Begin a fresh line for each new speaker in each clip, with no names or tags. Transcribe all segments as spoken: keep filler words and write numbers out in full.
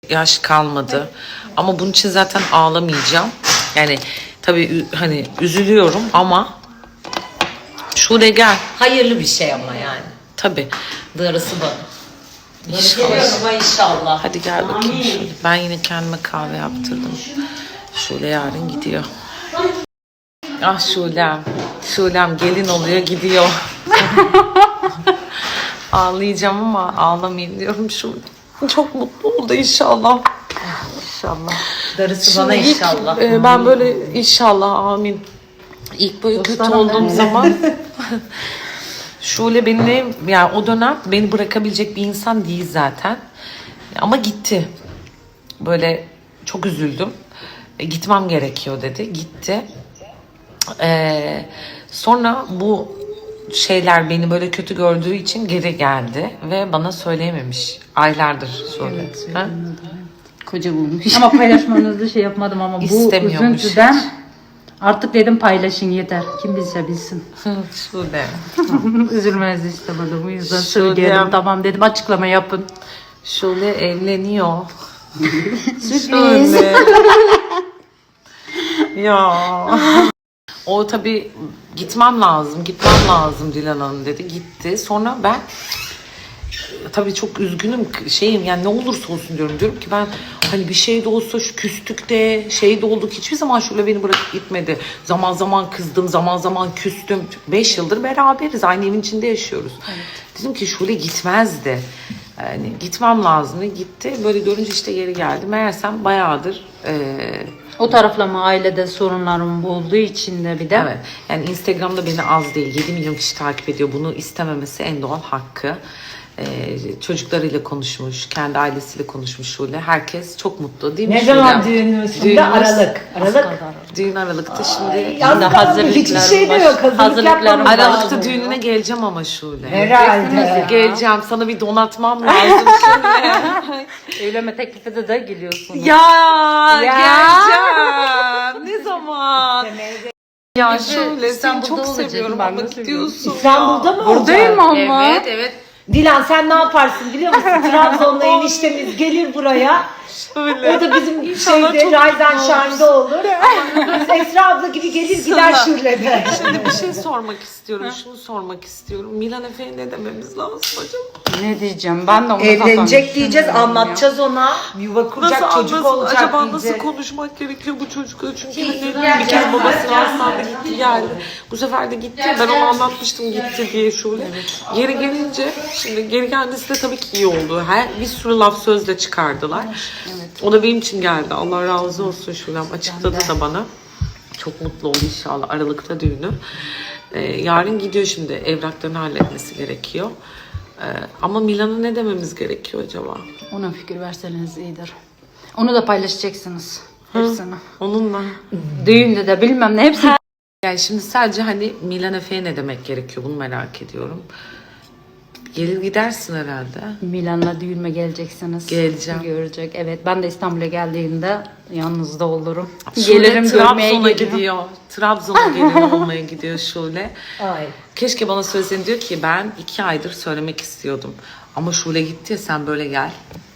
yaş kalmadı. Ama bunun için zaten ağlamayacağım. Yani tabii hani üzülüyorum ama Şule gel.
Hayırlı bir şey ama yani.
Tabii.
Darısı bana.
İnşallah.
İnşallah.
Hadi gel bakayım şöyle. Ben yine kendime kahve yaptırdım. Şule yarın gidiyor. Ah Şulem. Şulem gelin oluyor gidiyor. Ağlayacağım ama ağlamayayım diyorum Şule. Çok mutlu oldu inşallah.
İnşallah. Darısı
Şimdi
bana
ilk,
inşallah.
e, ben böyle inşallah amin. İlk böyle kötü olduğum zaman Şule benimle yani o dönem beni bırakabilecek bir insan değil zaten. Ama gitti. Böyle çok üzüldüm. E, gitmem gerekiyor dedi. Gitti. E, sonra bu şeyler beni böyle kötü gördüğü için geri geldi ve bana söyleyememiş. Aylardır şöyle.
Evet,
Ha?
Koca bulmuş. Ama paylaşmanızda şey yapmadım ama bu
İstemiyormuş
üzüntüden artık dedim paylaşın yeter. Kim bilse bilsin.
Şule.
Üzülmenizi istemedim. Bu yüzden
Şöyle.
söyleyelim. Tamam dedim açıklama yapın.
Şule evleniyor.
Sürpriz.
Şöyle. Ya. O tabii gitmem lazım, gitmem lazım Dilan Hanım dedi. Gitti. Sonra ben tabii çok üzgünüm şeyim yani ne olursa olsun diyorum. Diyorum ki ben hani bir şey de olsa şu küstük de şey de olduk. Hiçbir zaman Şule beni bırakıp gitmedi. Zaman zaman kızdım, zaman zaman küstüm. Beş yıldır beraberiz. Aynı evin içinde yaşıyoruz. Evet. Dedim ki Şule gitmezdi. Yani gitmem lazımdı. Gitti. Böyle görünce işte geri geldi. Meğersem bayağıdır eee
O tarafla mı ailede sorunlarım olduğu için de bir de.
evet. Yani Instagram'da beni az değil yedi milyon kişi takip ediyor. Bunu istememesi en doğal hakkı. Ee, çocuklarıyla konuşmuş, kendi ailesiyle konuşmuş Şule. Herkes çok mutlu değil mi?
Ne
Şule?
zaman düğünümüz? Şimdi
Düğünümüz-
Aralık. Aralık.
Düğün Aralık'ta şimdi.
Yaz kaldı.
hazırlıklar
Hiçbir şey de
baş-
yok. Hazırlık
hazırlıklarım
yapmamız
baş-
Aralık'ta
lazım.
düğününe geleceğim ama Şule.
Herhalde.
Geleceğim. Sana bir donatmam lazım Şule.
Evlenme teklifi de geliyorsunuz.
ya,
Ya.
geleceğim. Ne zaman? Ya Şule seni
İstanbul'da
çok
olacak,
seviyorum
ben
ama
de
gidiyorsun.
İstanbul'da mı
Buradayım
olacak?
ama.
Evet evet.
Dilan sen ne yaparsın biliyor musun? Trabzon'la eniştemiz gelir buraya.
Şöyle.
O da bizim
İnşallah
şeyde
çok
Raydan
mutlu
Şar'da olur. Biz Esra abla gibi gelir gider Şule'de.
Şimdi bir şey sormak istiyorum. Şunu sormak istiyorum. Milan Efe'ye ne dememiz lazım acaba?
Ne diyeceğim? Ben de onu
Evlenecek diyeceğiz, anlatacağız ona. Yuva kuracak,
Nasıl
çocuk
anlasın?
olacak
Acaba
diyeceğiz.
nasıl konuşmak gerekiyor bu çocukla? Çünkü annenin bir kere babasını hastanede gitti geldi. Bu sefer de gitti. Ben ona anlatmıştım gitti diye şöyle. Geri gelince şimdi geri kendisi de tabii ki iyi oldu. Her bir sürü laf sözle çıkardılar. O da benim için geldi. Allah razı olsun Şulem. Açıkladı da bana. Çok mutlu oldu inşallah Aralık'ta düğünü. Ee, yarın gidiyor şimdi. Evraklarını halletmesi gerekiyor. Ee, ama Milan'a ne dememiz gerekiyor acaba?
Ona fikir verseniz iyidir. Onu da paylaşacaksınız. Hepsini.
Onunla.
Düğünde de bilmem ne hepsi.
Yani şimdi sadece hani Milan Efe'ye ne demek gerekiyor bunu merak ediyorum. Gelir gidersin herhalde.
Milan'la düğünme geleceksiniz.
Geleceğim.
Görecek. Evet ben de İstanbul'a geldiğimde yanınızda olurum.
Şule
Gelirim görmeye
Trabzon'a
gelirim.
gidiyor. Trabzon'a gelin olmaya gidiyor Şule.
Ay.
Keşke bana söylesen diyor ki ben iki aydır söylemek istiyordum. Ama Şule gitti ya sen böyle gel.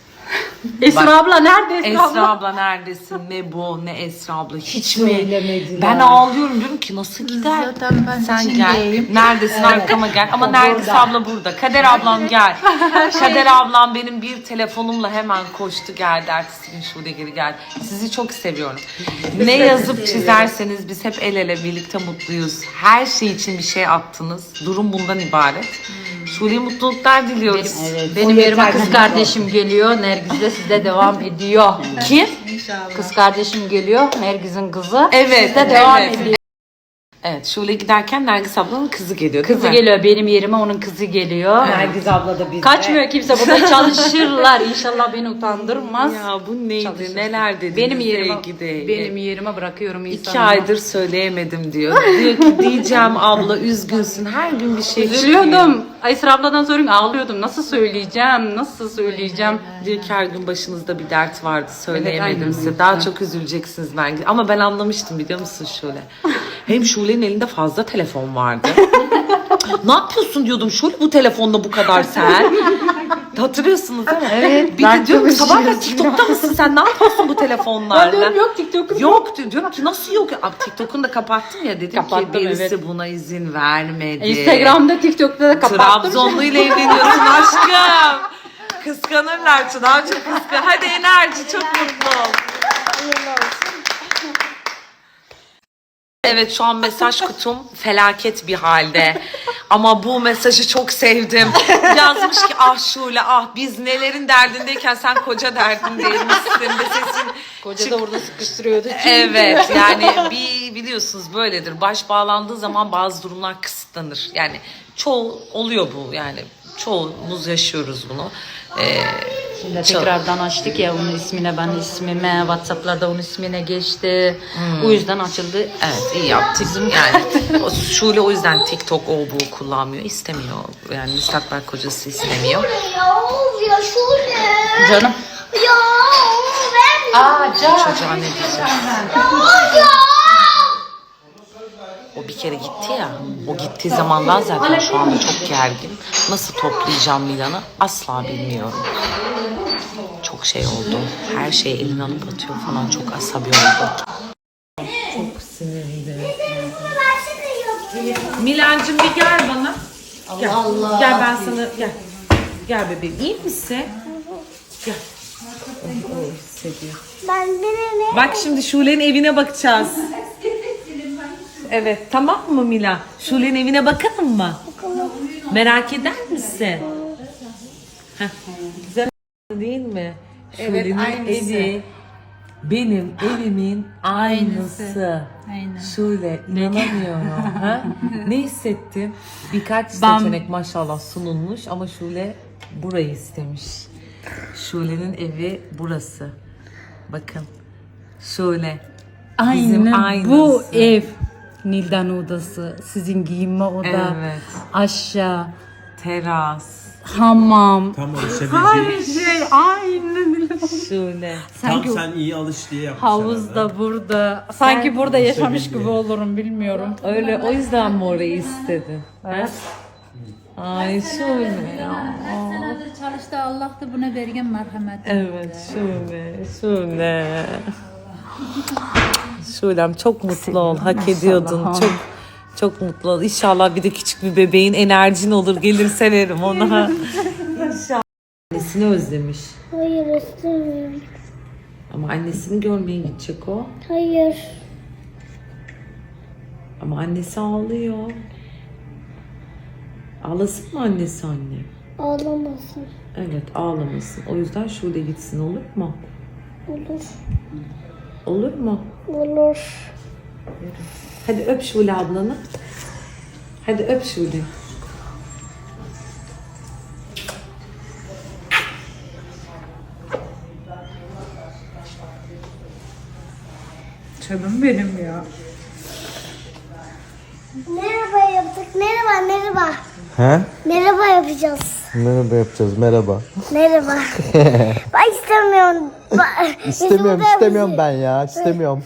Esra
Bak,
abla nerede Esra,
Esra
abla?
abla neredesin? Ne bu ne Esra abla. Hiç,
Hiç
mi?
mi eylemediler?
Ben ağlıyorum diyorum ki nasıl gider?
Zaten ben
Sen
içindeyim.
gel. Neredesin arkama gel. Ama
O
Nergis
burada.
abla burada. Kader ablam gel. Kader ablam benim bir telefonumla hemen koştu geldi. Ertesi gün Şule geri geldi. Sizi çok seviyorum. Ne yazıp çizerseniz biz hep el ele birlikte mutluyuz. Her şey için bir şey attınız. Durum bundan ibaret. Şule'ye mutluluklar diliyoruz.
Evet, benim
O
yerime
yeter
kız
bizim
kardeşim geliyor. Nergiz de sizde devam ediyor.
Kim?
Kız kardeşim geliyor. Nergiz'in kızı.
Evet.
Sizde devam
evet.
ediyor.
Evet, Şule giderken Nergis ablanın kızı geliyor değil
Kızı
mi?
geliyor benim yerime onun kızı geliyor.
Nergiz abla da bizde.
Kaçmıyor kimse burada çalışırlar. İnşallah beni utandırmaz.
Ya bu neydi?
Çalışırsın.
Neler dediniz?
Benim yerime,
sevgide?
benim yerime bırakıyorum insanı.
İki aydır söyleyemedim diyor. Diyor ki diyeceğim abla üzgünsün. Her gün bir şey çıkıyor.
Üzülüyordum. Aysra abladan sonra ağlıyordum. Nasıl söyleyeceğim? Nasıl söyleyeceğim?
Diyor ki her gün başınızda bir dert vardı söyleyemedim
aynen
size.
öyle.
Daha çok üzüleceksiniz ben. Ama ben anlamıştım biliyor musun Şule? Hem Şule'nin elinde fazla telefon vardı. Ne yapıyorsun diyordum Şule bu telefonla bu kadar sen? Hatırlıyorsunuz değil mi?
Evet,
Bir
ben
de diyorum ki
çok
sabah kadar
üzüldüm.
TikTok'ta mısın sen? Ne yapıyorsun bu telefonlarla?
Ben diyorum yok TikTok'um.
Yok diyor- diyorum ki nasıl yok? Abi TikTok'unu da kapattım ya dedim
Kapattım,
ki birisi
evet.
buna izin vermedi.
Instagram'da, TikTok'ta da kapattım.
Trabzonlu ile evleniyorsun aşkım. Kıskanırlar Çınar çok kıskan. Hadi enerji çok mutlu ol. Evet şu an mesaj kutum felaket bir halde. Ama bu mesajı çok sevdim. Yazmış ki ah Şule ah biz nelerin derdindeyken sen koca derdindeymişsin de sesin
Koca
çık-
da orada sıkıştırıyordu.
Evet yani bir biliyorsunuz böyledir. Baş bağlandığı zaman bazı durumlar kısıtlanır. Yani çoğu oluyor bu yani. Çoğumuz yaşıyoruz bunu. Ee,
Şimdi tekrardan açtık ya onun ismine, ben ismime, WhatsApp'larda onun ismine geçti. O yüzden açıldı.
Evet iyi yaptık. Yani o Şule o yüzden TikTok o bu kullanmıyor. İstemiyor. Yani müstakbel kocası istemiyor.
Ya of ya Şule.
Canım.
Ya of ben
Aa can.
Çocuğa ne diyecek?
ya ya.
O bir kere gitti ya. O gittiği zamandan zaten şu anda çok gergin. Nasıl toplayacağım Milan'ı asla bilmiyorum. Çok şey oldu. Her şeyi eline alıp atıyor falan. Çok asabi oldu. Çok sinirli. Milancığım bir gel bana. Gel.
Allah Allah.
Gel ben sana gel. Gel bebeğim. İyi misin? Gel. O, o hissediyor.
Ben birine.
Bak şimdi Şule'nin evine bakacağız. Evet tamam mı Mila? Şule'nin evine bakalım mı? Merak eder misin? Heh, güzel değil mi?
Evet,
Şule'nin
aynısı.
evi benim evimin aynısı.
Aynen.
Şule inanamıyorum. ha? Ne hissettin? Birkaç
Ben-
seçenek maşallah sunulmuş ama Şule burayı istemiş. Şule'nin evi burası. Bakın. Şule. Bizim
Aynen
aynısı.
bu ev. Nildan odası, sizin giyinme oda,
Evet.
aşağı,
Teras.
hamam.
Tam alışabileceğin,
Her şey aynı.
Şule.
tam
Sanki
sen iyi alış diye yapmışlar.
havuz
herhalde.
da burada. Sanki burada yaşamış
Sevildi.
gibi olurum bilmiyorum.
Öyle o yüzden mi orayı istedin? Evet. Ay Şule ya.
Senedir çalıştı, Allah da buna vergen merhamet.
Evet Şule. Şule. Şulem çok mutlu ol. Hak ediyordun. Çok çok mutlu ol. İnşallah bir de küçük bir bebeğin enerjin olur. Gelir severim ona. İnşallah. Annesini özlemiş.
Hayır istemiyorum.
Ama annesini görmeye gidecek o.
Hayır.
Ama annesi ağlıyor. Ağlasın mı annesi anne?
Ağlamasın.
Evet ağlamasın. O yüzden Şule gitsin olur mu?
Olur.
Olur mu?
Olur.
Hadi öp Şule ablanı. Hadi öp Şule.
Canım benim ya.
Merhaba yaptık. Merhaba merhaba.
He?
Merhaba yapacağız.
Merhaba yapacağız. Merhaba.
Merhaba. Ben istemiyorum. Ben-
İstemiyorum,
Bizim
istemiyorum ben ya. İstemiyorum.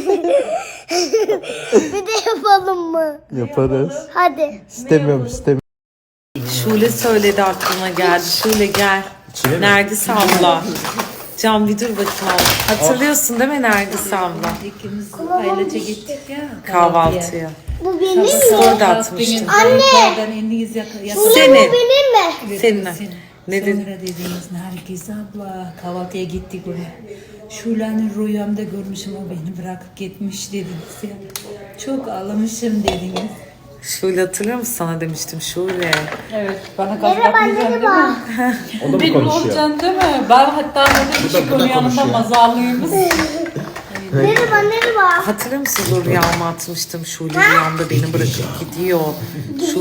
Bir de yapalım mı?
Yaparız.
Hadi.
İstemiyorum, istemiyorum.
Şule söyledi aklıma geldi. Şule gel.
İçine mi?
Nergis abla. Can bir dur bakalım. Hatırlıyorsun değil mi Nergis abla?
İkimiz ailece gittik ya.
Kahvaltıya.
Bu benim mi?
Story da atmıştım.
Anne. Eliniz yak
Senin.
Benim mi?
Senin. Ne dedin?
Sonra dediniz Nergis abla kahvaltıya gittik oraya. Şule'nin rüyamda görmüşüm, o beni bırakıp gitmiş dediniz ya. Çok ağlamışım dediniz.
Şule hatırlıyor musun sana demiştim Şule.
Evet, bana
Merhaba
kapatmayacaksın değil
merhaba.
mi?
O da mı
Benim
konuşuyor?
olacaksın değil mi? Ben hatta burada küçük
bu da
onun yanında
konuşuyor.
mazarlıyımız.
Merhaba merhaba.
Hatırlıyor musun o rüyamı atmıştım Şule rüyamda beni bırakıp gidiyor.